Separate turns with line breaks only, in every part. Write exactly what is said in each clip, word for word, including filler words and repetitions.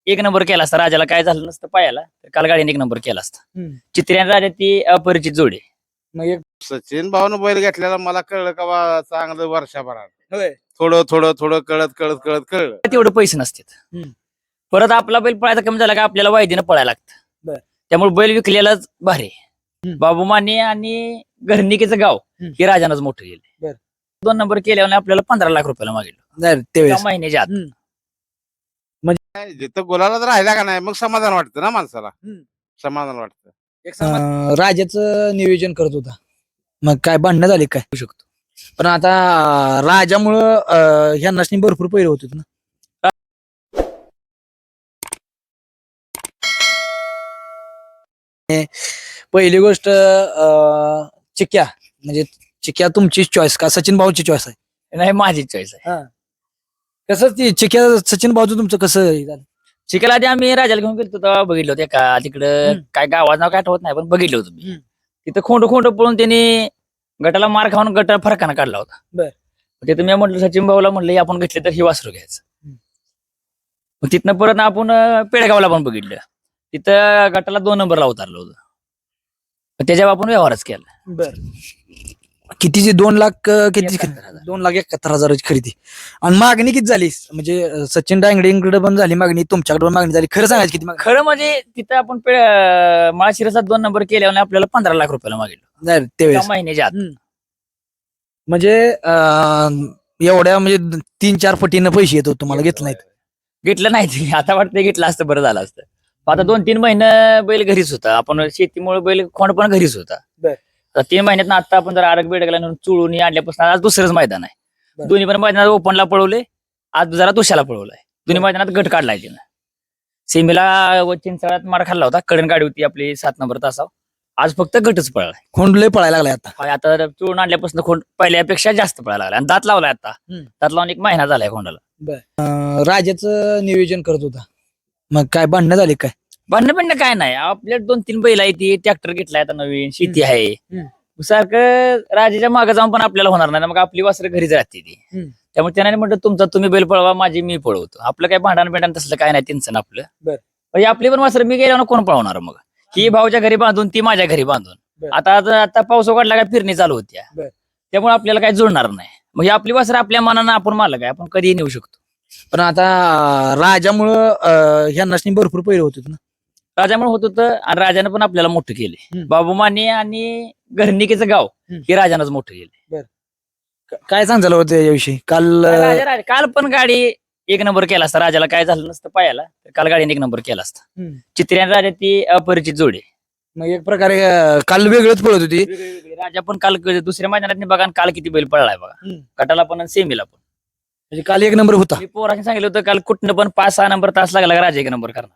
एक नंबर केला असता. राजाला काय झालं नसतं पायाला, तर काल गाडीने एक नंबर केला असता.
हम्म.
चित्रे आणि राजा ती अपरिचित जोडी आहे.
मग एक
सचिन भाऊन बैल घेतलेला मला कळलं का बा चांगलं वर्षभरात
होय.
थोडं थोडं थोडं कळत कळत कळत कळलं.
तेवढे पैसे नसतात.
हम्म.
परत आपला बैल पळायचा कमी झाला का आपल्याला वायदीनं पळायला
बर.
लागतं. त्यामुळे बैल विकलेलाच भारी आहे.
हम्म.
बाबू माने आणि घरणिकेचं गाव
हम्म.
हे राजानंच मोठं गेले.
बर.
दोन नंबर केल्यावर आपल्याला पंधरा लाख रुपयाला मागितलं
नाही, त्यावेळेस
एका महिन्याच्या आत.
हम्म.
काय जिथं गुलाला जर राहिला का नाही मग समाधान वाटतं ना माणसाला.
हम्म.
समाधान वाटतं.
एक समाज- अं, राजाचं नियोजन करत होता, मग काय भांडणं झाली काय होऊ शकतो. पण आता अं, राजामुळं अं, ह्या नसनी भरपूर पैरे होते ना. पहिली गोष्ट अं, चिक्या म्हणजे चिक्या तुमची चॉईस का सचिन भाऊची चॉईस आहे?
नाही, माझी चॉईस आहे.
कसं ती चिक्या सचिन भाऊचं तुमचं कसं हे झालं?
शिकायला आधी आम्ही राजाला घेऊन गेलो तेव्हा बघितलं होतं का तिकडं
हम्म.
काय गावात नाव काय आठवत नाही पण बघितलं होतं मी.
हम्म.
तिथं खोंड खोंड पळून त्यांनी गटाला मार खाऊन गट फरकानं काढला होता.
बर.
तिथं मी म्हटलं सचिन भाऊला म्हटलं हे आपण घेतले तर ही वासरू घ्यायचं.
हम्म.
मग तिथनं परत आपण अं, पेडगावला पण बघितलं. तिथं गटाला दोन नंबरला उतरलं होतं. मग त्याच्यावर आपण व्यवहारच केला.
बर. कितीची दोन लाख अं, किती
एकाहत्तर हजार.
दोन लाख एकाहत्तर हजाराची खरेदी. आणि मागणी किती झाली? म्हणजे अं, सचिन डांगडेंकडे पण झाली मागणी, तुमच्याकडे पण मागणी झाली. खरं सांगायची किती मागणी?
खरं म्हणजे तिथं आपण माळशिरसात दोन नंबर केल्यावर आपल्याला पंधरा लाख रुपयाला मागितलं
नाही,
एका
त्यावेळेस
महिन्याच्या आत.
हम्म. म्हणजे अं, एवढ्या म्हणजे तीन चार पटीनं पैसे येतो तुम्हाला घेतलं नाहीत.
घेतलं नाही ते. आता वाटतं घेतलं असतं बरं झालं असतं. आता दोन तीन महिने बैल घरीच होता. आपण शेतीमुळे बैल खोंड पण घरीच होता.
बर.
आता तीन महिन्यात आता आपण जर आरग बेडगला नेऊन चुळून आणल्यापासून आज दुसरंच मैदान आहे.
बर.
दोन्ही पण मैदानात ओपनला पळवले, आज जरा दुसऱ्याला पळवलाय. दोन्ही मैदानात गट काढलाय तिनं. सेमीला व चिंचाळ्यात मार खाल्ला होता. कडण गाडी होती आपली सात नंबर तासाव. आज फक्त गटच पळालाय.
खोंड लय पळायला लागलाय आता.
आणि आता चुळून आणल्यापासून खोंड पहिल्यापेक्षा जास्त पळायला लागला आणि दात लावलाय आता.
हम्म.
दात लावून एक महिना झालाय खोंडाला.
अं, राजाचं नियोजन करत होता, मग काय भांडणं झाली काय?
भांडणं बिंडणं काय नाही. आपल्या दोन तीन बैल आहे ती ट्रॅक्टर घेतलाय आता नवीन शेती आहे.
हम्म.
सारखं राजाच्या मागे जाऊन पण आपल्याला होणार नाही. मग आपली वासरं घरीच राहते ती.
हम्म.
त्यामुळे त्याने म्हटलं तुमचा तुम्ही बैल पळवा, माझी मी पळवतो. आपलं काय भांडण बिंडण तसलं काय नाही त्यांचं आपलं.
बर.
म्हणजे आपली पण वासरं मी गेल्यावर कोण पळवणार मग? ही भाऊच्या घरी बांधून ती माझ्या घरी बांधून.
बर.
आता आता पाऊस उघडला काय फिरणी चालू होत्या.
बर.
त्यामुळे आपल्याला काय जुळणार नाही. मग ही आपली वासरं आपल्या मनानं आपण मालक आहे, आपण कधीही नेऊ शकतो.
पण आता अं, राजामुळं अं, ह्या नसनी भरपूर पैरे होते ना.
राजामुळे होत होतं आणि राजानं पण आपल्याला मोठं केले.
हम्म.
बाबू माने आणि घरणिकेचं गाव
हम्म.
हे राजानंच मोठं केले.
काय सांगायला होतं याविषयी काल? अं,
राजा राजा काल पण गाडी एक नंबर केला असता. राजाला काय झालं नसतं पायाला, तर काल गाडीने एक नंबर केला असता.
हम्म.
चित्रे आणि राजा ती अपरिचित जोडी आहे.
मग एक प्रकारे अं, काल वेगळंच पळत होती.
राजा पण काल दुसऱ्या मैदानात बघा आणि काल किती बैल पळलाय बघा.
हम्म.
गटाला पण आणि सेमीला पण.
म्हणजे काल एक नंबर होता.
मी पोरांनी सांगितलं होतं काल कुठनं पण पाच सहा नंबर तास लागला का राजा एक नंबर करणार.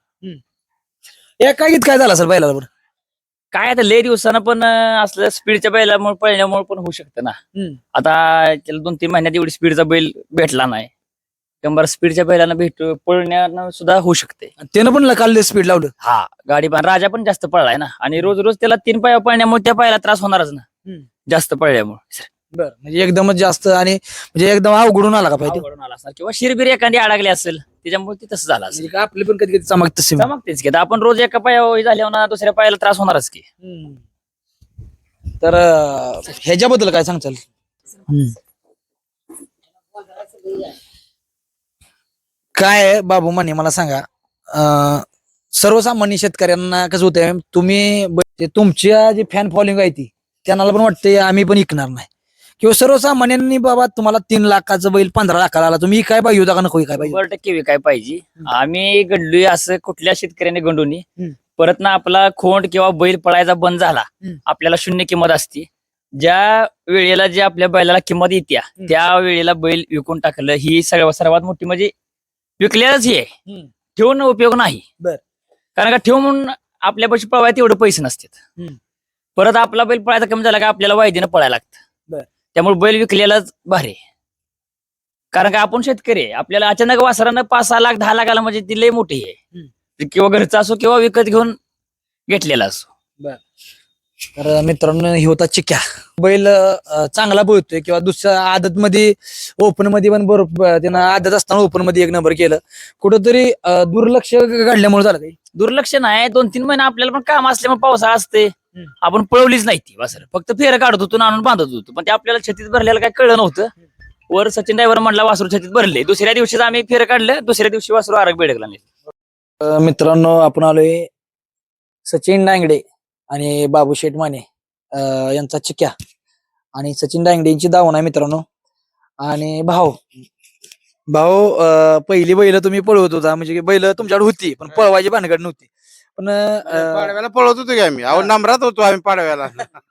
एका गीत काय झाला सर बैलाला बरं?
काय आता लय दिवसानं पण अं, असलं स्पीडच्या बैलामुळे पळण्यामुळे पण होऊ शकतं ना.
हम्म.
आता त्याला दोन तीन महिन्यात एवढी स्पीडचा बैल भेटला नाही. शंभर स्पीडच्या बैलांना भेट पळण्यानं सुद्धा होऊ शकते.
आणि त्यानं पण काल स्पीड लावलं.
हा गाडी पण राजा पण जास्त पळलाय ना आणि रोज रोज त्याला तीन पाया पळण्यामुळे त्या पायाला त्रास होणारच ना.
हम्म.
जास्त पळल्यामुळे
बरं, म्हणजे एकदमच जास्त आणि म्हणजे एकदम अवघडून आला का पाहिजे?
अवघडून आला असणार किंवा शिरबीर एखादी अडकली असेल त्याच्यामुळे ते तसं झालं असेल.
म्हणजे का आपली पण कधी कधी चमक तशी.
चमकतेच की आता आपण रोज एका पाया झाल्यावर ना दुसऱ्या पायाला त्रास होणारच की.
हम्म. तर अं, ह्याच्याबद्दल काय सांगचाल? हम्म. काय आहे, बाबू माने मला सांगा, अं, सर्वसामान्य शेतकऱ्यांना कसं होतंय, तुम्ही ब- ते तुमच्या जी फॅन फॉलोइंग आहे ती त्यांना पण वाटते आम्ही पण ऐकणार नाही, किंवा सर्वसामान्यांनी बाबा तुम्हाला तीन लाखाचं बैल पंधरा लाखाला आला, तुम्ही काय पाहिजे होता का नको काय पाहिजे?
शंभर टक्के विकाय पाहिजे. आम्ही गंडलोय असं कुठल्या शेतकऱ्याने गंडूनी
हम्म.
परत ना आपला खोंड किंवा बैल पळायचा बंद झाला,
हम्म.
आपल्याला शून्य किंमत असते. ज्या वेळेला जे आपल्या बैलाला किंमत येत्या
हम्म.
त्या वेळेला बैल विकून टाकलं ही सर्व सर्वात मोठी म्हणजे विकल्याच हे आहे.
हम्म.
ठेवून उपयोग नाही.
बर.
कारण का ठेवून आपल्या पैसे पळवायला तेवढे पैसे नसतात.
हम्म.
परत आपला बैल पळायचा कमी झाला का आपल्याला वायदीनं पळायला लागतं.
बर.
त्यामुळे बैल विकलेलाच भारी आहे. कारण का आपण शेतकरी आहे, आपल्याला अचानक वासरानं पाच सहा लाख दहा लाख आला म्हणजे ती लय मोठी आहे. किंवा घरचा असो किंवा विकत घेऊन घेतलेला असो.
तर मित्रांनो हे होता चिक्या बैल अं, चांगला पळतोय किंवा दुसऱ्या आदत मध्ये ओपन मध्ये पण बरोबर त्यानं आदत असताना ओपन मध्ये एक नंबर केलं कुठंतरी अं, दुर्लक्ष घडल्यामुळे झालं काही
दुर्लक्ष नाही दोन तीन महिने आपल्याला पण काम असल्यामुळे पावसाळा असते
हम्म.
आपण पळवलीच नाही ती वासर फक्त फेर काढत होतो आणि आणून बांधत होतो पण ते आपल्याला छतीत भरलेलं काय कळलं नव्हतं वर सचिन ड्रायव्हर म्हणला वासरू छतीत भरले दुसऱ्या दिवशीच आम्ही फेर काढलं दुसऱ्या दिवशी वासरू आरग बेडकला नेलं.
अं, मित्रांनो आपण आलोय सचिन डांगडे आणि बाबू शेठ माने अं, यांचा चिक्या आणि सचिन डांगडे यांची दावण आहे मित्रांनो आणि भाऊ भाऊ अं, पहिली बैल तुम्ही पळवत होता म्हणजे बैल तुमच्याकडे होती पण पळवायची भानगड नव्हती पण अं,
पाडव्याला पळवत होतो की आम्ही अहो
हा.
नंबरात होतो आम्ही पाडव्याला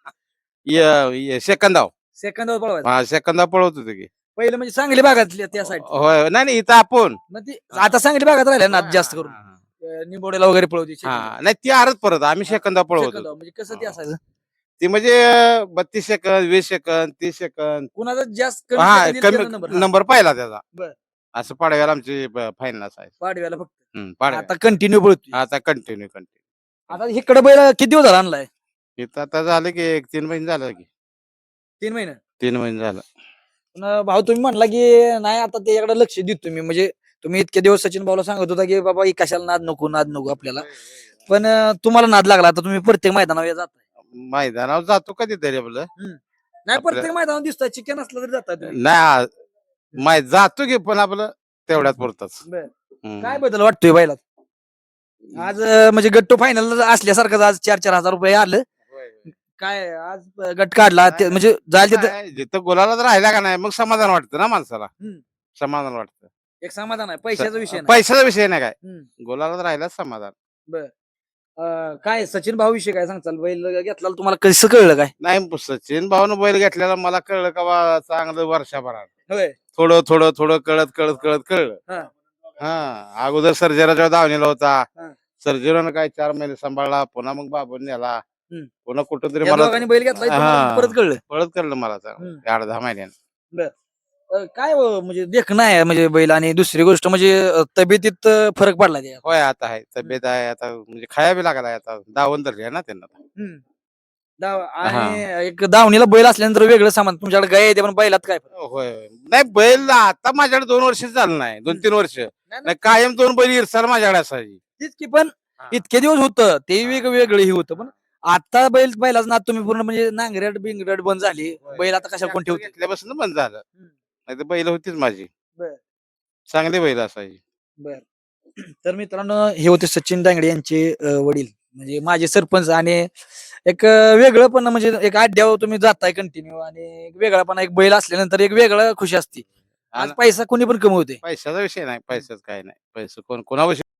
य- य- सेकंदाव
सेकंदावर पळवायचं
हा सेकंदाव पळवत होतो की
पहिलं म्हणजे सांगली भागातली त्या साईड
होय नाही नाही इथं आपण
मग ती आता सांगली भागात राहिल्या ना जास्त करून
हा, हा,
अं, निंबोडेला वगैरे पळवती
हा. हा, नाही ती आरच परत आम्ही सेकंदाव पळवत
सेकंदावर
होतो
म्हणजे कसं ते असायचं
ती म्हणजे बत्तीस सेकंद वीस सेकंद तीस सेकंद
कुणाचा जास्त
हा
कमी
कमी
नंबर
नंबर पाहिला त्याचा
बर.
असं पाडव्याला आमची फायनल असायची
पाडव्याला फक्त
हम्म, पाडव्या
आता कंटिन्यू पळतोय
आता कंटिन्यू कंटिन्यू
आता इकडे बैल किती दिवस झाला आणलाय
इथं आता झालं की एक तीन महिने झालं की
तीन महिने
तीन महिने झालं
पण भाऊ तुम्ही म्हणला की नाही आता त्याच्याकडे लक्ष देत तुम्ही म्हणजे तुम्ही इतके दिवस सचिन भाऊला सांगत होता की बाबा ही कशाला नाद नको नाद नको आपल्याला पण अं, तुम्हाला नाद लागला आता तुम्ही प्रत्येक मैदानावर जात
मैदानावर जातो कधीतरी आपलं
नाही प्रत्येक मैदानावर दिसतोय चिकन असलं तरी जातात तुम्ही.
नाही माय जातो की पण आपलं तेवढ्यात पुरतच
बरं. काय बदल वाटतोय बैलात आज अं, म्हणजे गट्टू फायनल असल्यासारखं आज चार चार हजार रुपये आलं काय आज अं, गट काढला ते- म्हणजे जायला तिथं
जिथं गोलाला राहिला का नाही मग समाधान वाटतं ना माणसाला
हम्म.
समाधान वाटतं
एक समाधान आहे पैशाचा विषय नाही.
पैशाचा विषय नाही काय
हम्म.
गोलाला राहिला समाधान
अं, काय सचिन भाऊ विषय काय सांगचाल बैल घेतला तुम्हाला कसं कळलं काय
नाही सचिन भाऊन बैल घेतलेला मला कळलं का बा चांगलं वर्षभरात
होय
थोडं थोडं थोडं कळत कळत कळत
हा.
कळलं हा अगोदर सर्जेराच्या दावणीला होता
हा.
सर्जेरानं काय चार महिने सांभाळला पुन्हा मग बाबून नेला
हम्म.
पुन्हा कुठंतरी
या
मला
दोघांनी बैल घेतला इथं
हा.
मला परत कळलं
पळत कळलं मला चांगलं.
हम्म.
आठ दहा महिन्यानं
अं, काय हो, म्हणजे देखणं आहे म्हणजे बैल आणि दुसरी गोष्ट म्हणजे अं, तब्येतीत अं, फरक पडला त्या
होय आता आहे तब्येत आहे आता म्हणजे खाया बी लागला आता दावण धरली आहे ना त्यांना
हम्म. दाव- आणि एक दावणीला बैल असल्यानंतर वेगळं सामान तुमच्याकडे गाय येते पण बैलात काय फरक?
होय नाही बैल आता माझ्याकडे दोन वर्ष झालं नाही दोन तीन वर्ष नाही कायम दोन बैल इरसाल माझ्याकडे असायची
तेच की पण इतके दिवस होतं ते वेगवेगळं हे होतं पण आता बैल बैलाच ना तुम्ही पूर्ण म्हणजे नांगरट बिंगरट बंद झाली बैल आता कशा कोण ठेवते
घेतल्यापासून बंद झालं नाही तर बैल होतीच माझी
बर.
चांगली बैल असायची
बर तर मित्रांनो हे होते सचिन दांगडे यांचे अं, वडील म्हणजे माझे सरपंच आणि एक अं, वेगळं पण म्हणजे एक अड्ड्यावर तुम्ही जाताय कंटिन्यू आणि एक वेगळा पण एक बैल असल्यानंतर एक वेगळं खुशी असते आज
आणि
पैसा कोणी पण कमवते
पैशाचा विषय नाही पैशाच काय नाही पैसे कोण कोणाविषयी